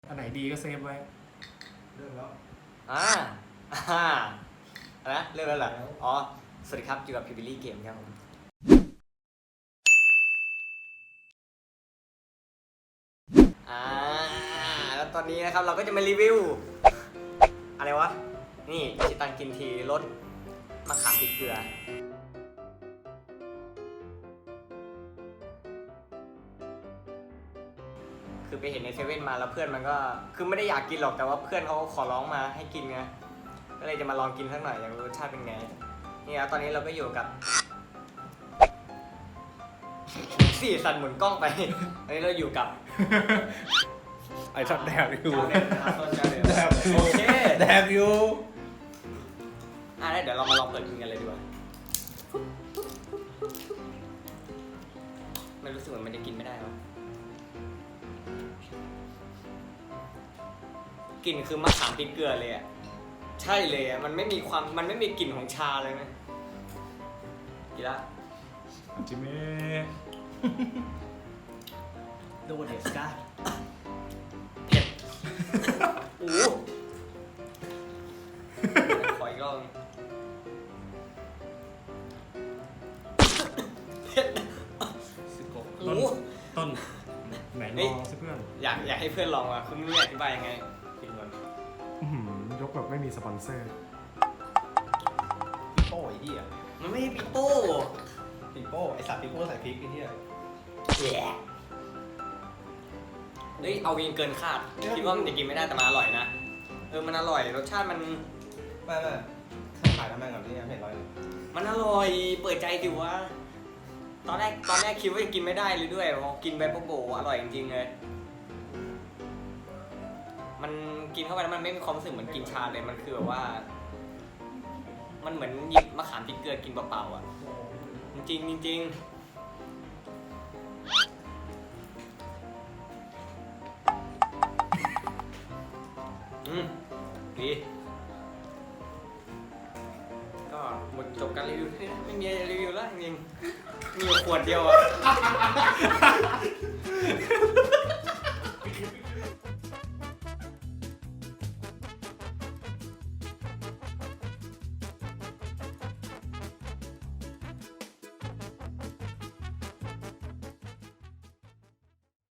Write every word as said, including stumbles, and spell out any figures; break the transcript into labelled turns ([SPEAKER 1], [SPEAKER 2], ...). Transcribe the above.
[SPEAKER 1] อันไหนดีก็เซฟไว้
[SPEAKER 2] เริ่มแล้ว
[SPEAKER 3] อ่าอ่าอะไรนะเริ่มแล้วเหรออ๋อสวัสดีครับอยู่กับพิบิลี่เกมครับผมอ่าแล้วตอนนี้นะครับเราก็จะมารีวิวอะไรวะนี่ชิตันกินทีรสมะขามพริกเกลือคือไปเห็นในเซเว่นมาแล้วเพื่อนมันก็คือไม่ได้อยากกินหรอกแต่ว่าเพื่อนเขาขอร้องมาให้กินไงก็เลยจะมาลองกินสักหน่อยอยากรู้รสชาติเป็นไงนี่นะตอนนี้เราก็อยู่กับสี่สันหมุนกล้องไปตอนนี้เราอยู่กับ
[SPEAKER 1] ไอ้ช็อตแดบอยู่แดบ
[SPEAKER 3] โอเค
[SPEAKER 1] แดบอยู่
[SPEAKER 3] อ่ะเดี๋ยวเรามาลองเปิดกินกันเลยดีกว่าไม่รู้สึกเหมือนมันจะกินไม่ได้หรอกลิ่นคือมะขามพริกเกลือเลยอ่ะใช่เลยอ่ะมันไม่มีความมันไม่มีกลิ่นของชาเลยนะกินละ
[SPEAKER 1] จิเม่
[SPEAKER 2] โดเดสก้า
[SPEAKER 3] เผ็ดโอ้ขออีกรอบเผ็ดโอ้
[SPEAKER 1] ต้นไหนลองสิเพื่อน
[SPEAKER 3] อยากอยากให้เพื่อนลองอ่ะคือไม่รู้อธิบายยังไงกินก่อน
[SPEAKER 1] ยกแบบไม่มีสปอนเซอร์
[SPEAKER 2] ปิโป้ไอ้เหี้ย
[SPEAKER 3] มันไม่ใช่ปิโป้
[SPEAKER 2] ปิโป้ไอสัตว์ปิโป้ใส่พริกไอ้เหี้ย
[SPEAKER 3] แย่เฮ้ยเอาวิงเกินคาดคิดว่ามันจะกินไม่ได้แต่มันอร่อยนะเออมันอร่อยรสชาติมัน
[SPEAKER 2] ไม่ไม่ขายน้ำแม่งก่อนที่ยังเผ็ดร้อยเลย
[SPEAKER 3] มันอร่อยเปิดใจดิวะตอนแรกตอนแรกคิดว่าจะกินไม่ได้เลยด้วยพอกินไปปุ๊บโบอร่อยจริงๆเลยมันกินเข้าไปแล้วมันไม่มีความรู้สึกเหมือนกินชาเลยมันคือแบบว่ามันเหมือนหยิบมะขามพริกเกลือกินเปล่าๆอ่ะจริงจริงอืมดีก็หมดจบการรีวิวไม่มีอะไรรีวิวแล้วจริงๆมีอยู่ขวดเดียวอ่ะ